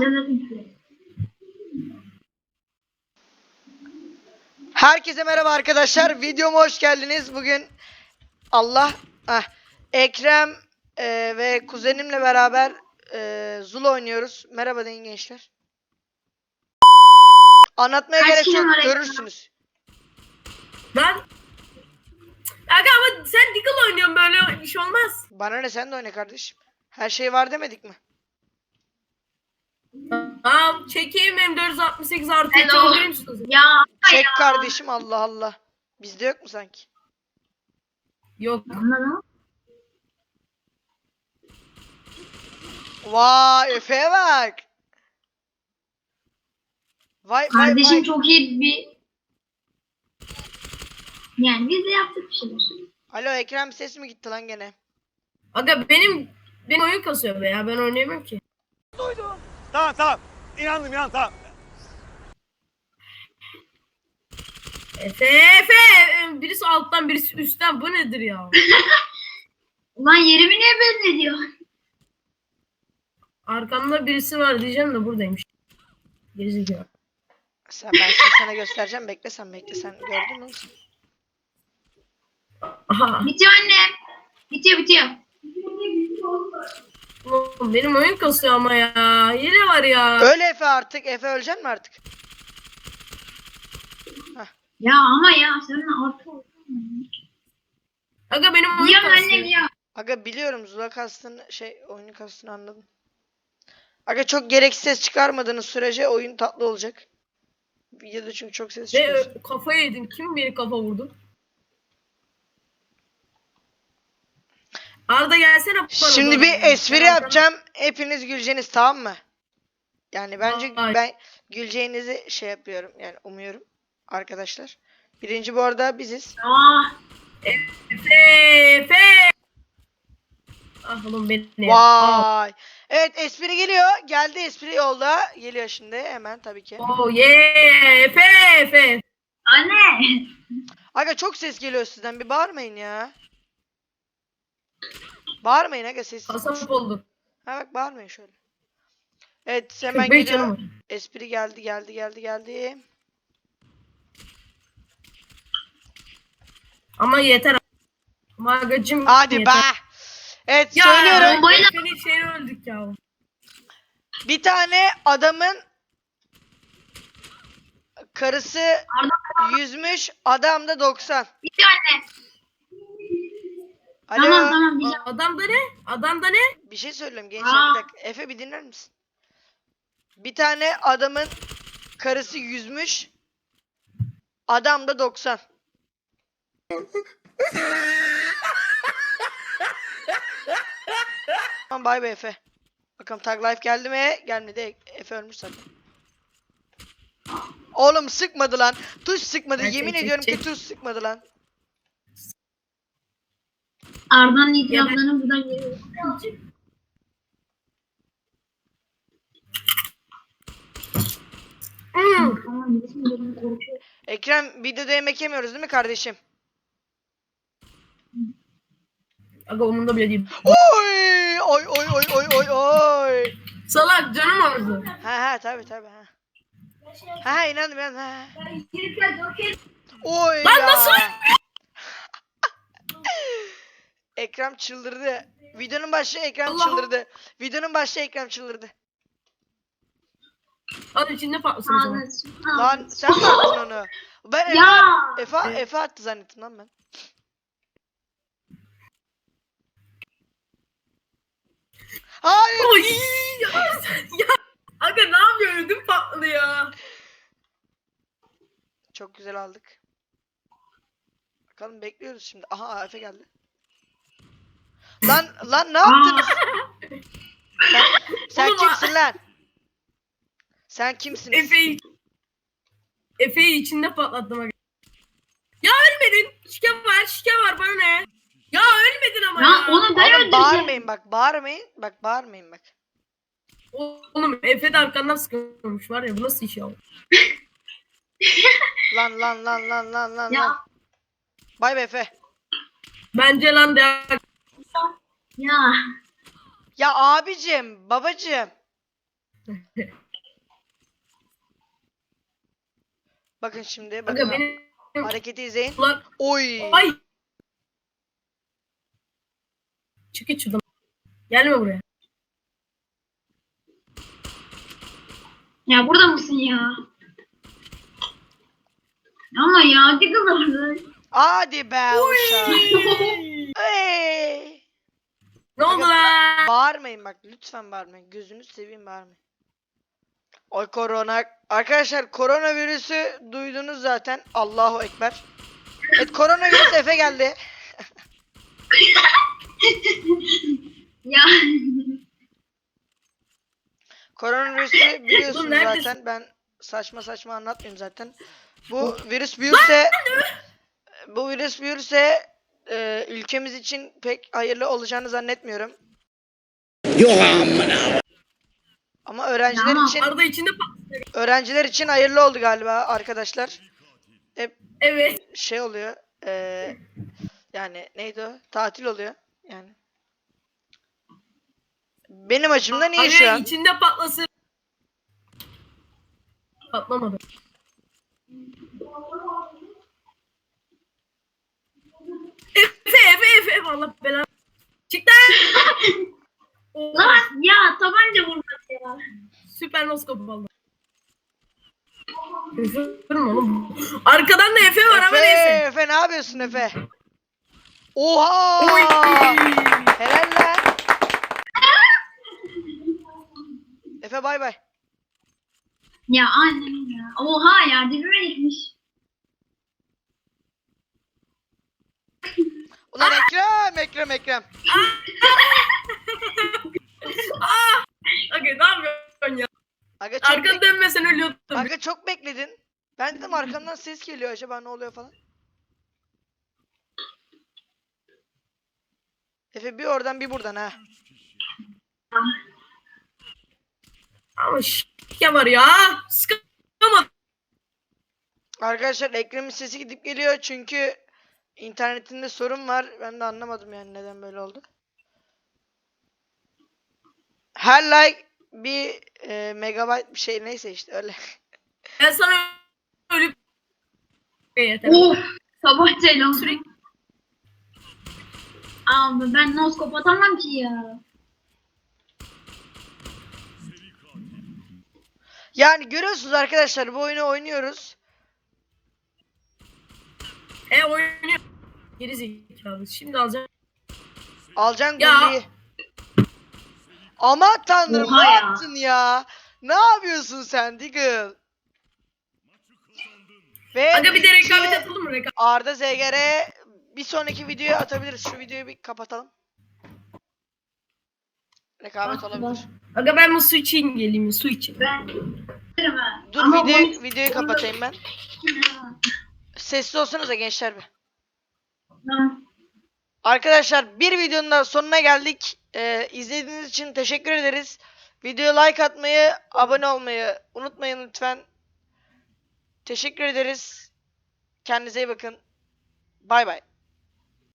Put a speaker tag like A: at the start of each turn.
A: Herkese merhaba arkadaşlar. Videoma hoş geldiniz. Bugün Ekrem ve kuzenimle beraber Zul oynuyoruz. Merhaba deyin gençler. Anlatmaya gerek yok. Görürsünüz.
B: Ben... Aga ama sen Deagle oynuyorsun, böyle iş olmaz.
A: Bana ne, sen de oyna kardeşim. Her şey var demedik mi?
B: Tamam, çekeyim M468 artı çekebilir misiniz?
C: Ya
A: Çek kardeşim, Allah Allah. Bizde yok mu sanki?
B: Yok.
A: Vay, Efe'ye bak. Vay
C: kardeşim
A: vay.
C: çok iyi bir, yani biz de yaptık bir şeyler.
A: Alo Ekrem, ses mi gitti lan gene?
B: Aga benim oyun kasıyor be ya, ben oynayamam ki.
D: Tamam. İnandım tamam.
B: Efe, birisi alttan birisi üstten, bu nedir ya?
C: Ulan yerimi niye belli ediyor?
B: Arkamda birisi var diyeceğim de buradaymış. Gerizekalı.
A: Ben şimdi sana göstereceğim. Bekle sen. Gördün mü?
B: Aha.
C: Bitiyor anne. Bitiyor.
B: Oğlum, benim oyun kasıyor ama ya. Hile var ya.
A: Öyle Efe artık. Efe öleceksin mi artık?
C: Ya ama ya sen artık
B: Aga benim oyun
C: diyor anne
B: kasıyor.
C: diyor.
A: Aga biliyorum, Zula kastını oyunu kastını anladım. Aga çok gereksiz ses çıkarmadığınız sürece oyun tatlı olacak. Videoda çünkü çok ses çıkıyor.
B: Ve kafayı yedim. Kim beni kafa vurdu? Arda gelsene. bana
A: Şimdi
B: doğru.
A: bir espri
B: Ben
A: yapacağım. Hepiniz güleceğiniz, tamam mı? Yani bence
B: Ay.
A: ben güleceğinizi yapıyorum. Yani umuyorum arkadaşlar. Birinci bu arada biziz.
C: Ah
B: Efe. Ah oğlum beni.
A: Vay. Evet, espri geliyor. Geldi, espri yolda. Geliyor şimdi hemen tabii ki.
B: Oh yeah. Efe.
C: anne.
A: Aga çok ses geliyor sizden. Bir bağırmayın ya. Bağırmayın aga, sessiz.
B: Kasap oldu.
A: Ha bak, bağırmayın şöyle. Evet, hemen
B: 45
A: geliyor.
B: canım var.
A: Espri geldi.
B: Ama yeter. Magacım.
A: Hadi
B: yeter.
A: be. Evet,
B: Ya,
A: söylüyorum.
C: bombayla-
B: Senin şeyini öldük ya.
A: Bir tane adamın karısı 100'müş, adam da 90.
C: Bitiyor anne.
A: Alo.
C: Tamam diyeceğim.
B: Adamda ne?
A: Bir şey söyleyeyim gençler, bir dakika. Efe bir dinler misin? Bir tane adamın karısı 100'müş, adam da 90. Tamam, bay bay Efe. Bakalım Tag Life geldi mi? Gelmedi. Efe ölmüş zaten. Oğlum sıkmadı lan. Tuş sıkmadı.
B: Çek,
A: Yemin
B: çek,
A: ediyorum
B: çek.
A: ki tuş sıkmadı lan.
C: Arda'nın itiraflarını buradan geliyor. Tamam bizim benim korkuyor.
A: Ekrem, videoda yemek yemiyoruz değil mi kardeşim?
B: Aga umurumda bile değil.
A: Oy! Oy!
B: Salak canım ağrıdı.
A: Ha tabii ha. Ha inandım ha. Oy
B: Lan
A: ya.
B: nasıl?
A: Ekrem çıldırdı. Videonun başı Ekrem
B: Allah.
A: çıldırdı. Videonun başı Ekrem çıldırdı.
B: Hadi içinde patlasın o zaman.
A: Lan sen mi attın onu? Ben
C: Ya.
A: Efe attı zannettim lan ben. Hayır.
B: Oy! Ya, aga ne yapıyorsun? Ödüm patladı ya.
A: Çok güzel aldık. Bakalım, bekliyoruz şimdi. Aha, Efe geldi. Lan ne yaptınız? Sen
B: Oğlum,
A: kimsin lan? Sen kimsiniz?
B: Efe'yi içinde patlattım aga. Ya ölmedin. Şike var bana ne? Ya ölmedin ama
C: Ya
B: ya.
C: onu ben
A: Oğlum
C: öldüreceğim.
A: bağırmayın bak. Bağırmayın bak.
B: Oğlum Efe de arkandan sıkıyormuş var ya, bu nasıl iş ya?
A: Lan.
C: Ya.
A: Bay bay Efe.
B: Bence lan de.
C: Ya.
A: Ya abicim, babacım. Bakın şimdi
B: Aga
A: bakın.
B: benim
A: Hareketi izleyin.
B: ulan
A: Oy.
B: ay. Çık git şuradan. Gelme buraya.
C: Ya burada mısın ya? Ama ya Diggle orada.
A: Hadi be uşağım. Hey.
B: Ne oldu lan?
A: Bağırmayın bak, lütfen bağırmayın. Gözünü seveyim, bağırmayın. Oy korona. Arkadaşlar koronavirüsü duydunuz zaten. Allahu Ekber. Evet, koronavirüs Efe geldi.
C: Ya.
A: Koronavirüsü biliyorsunuz
B: Oğlum neredesin?
A: zaten. Ben saçma saçma anlatmıyorum zaten. Bu virüs büyürse ülkemiz için pek hayırlı olacağını zannetmiyorum. Ama
B: Arada içinde patlıyor.
A: öğrenciler için hayırlı oldu galiba arkadaşlar.
B: Evet.
A: Şey oluyor. Yani neydi o? Tatil oluyor. Yani. Benim açımdan iyi şu
B: Aga
A: an.
B: içinde patlasın. Patlamadı. Efe Allah belanı. Çık lan.
C: Lan ya tabanca vurdu ya.
B: Süper noskop oldu. Efe vurma oğlum. Arkadan da Efe var ama neyse.
A: Efe ne yapıyorsun Efe? Oha!
B: Oy.
A: Helal lan. Efe bay bay.
C: Ya annem ya. Oha ya dibime gitmiş.
A: Ulan Ekrem.
B: Aga ne yapıyorsun ya?
A: Aga çok,
B: Arkanı dönmesen ölüyordum.
A: Aga çok bekledin. Ben dedim arkamdan ses geliyor, acaba ne oluyor falan. Efe bir oradan bir buradan ha.
B: Ama şike var ya. Sıkamadım.
A: Arkadaşlar Ekrem'in sesi gidip geliyor çünkü internetinde sorun var. Ben de anlamadım yani neden böyle oldu. Her like bir megabayt bir şey, neyse işte öyle.
B: Ben sana ölüp... Yeter.
C: Oh tabancayla oldu.
B: Sürekli
C: Abi ben noskop atamam ki ya.
A: Yani görüyorsunuz arkadaşlar, bu oyunu oynuyoruz.
B: oynuyor. Geri zekalı. Şimdi alacağım.
A: Alacaksın
B: Ya.
A: golü. Aman tanrım,
C: Oha
A: ne
C: ya.
A: yaptın ya? Ne yapıyorsun sen Diggle? Ve
B: Aga bir de
A: iki
B: rekabet atalım mı? Rekabet.
A: Arda ZGR bir sonraki videoya atabiliriz. Şu videoyu bir kapatalım. Rekabet olabilir.
B: Aga ben bu su için geleyim. Su için.
C: Ben
A: Dur
C: Ama
A: videoyu kapatayım ben. Sessiz olsanıza gençler bir. Arkadaşlar bir videonun daha sonuna geldik. İzlediğiniz için teşekkür ederiz. Videoya like atmayı, abone olmayı unutmayın lütfen. Teşekkür ederiz. Kendinize iyi bakın. Bay bay.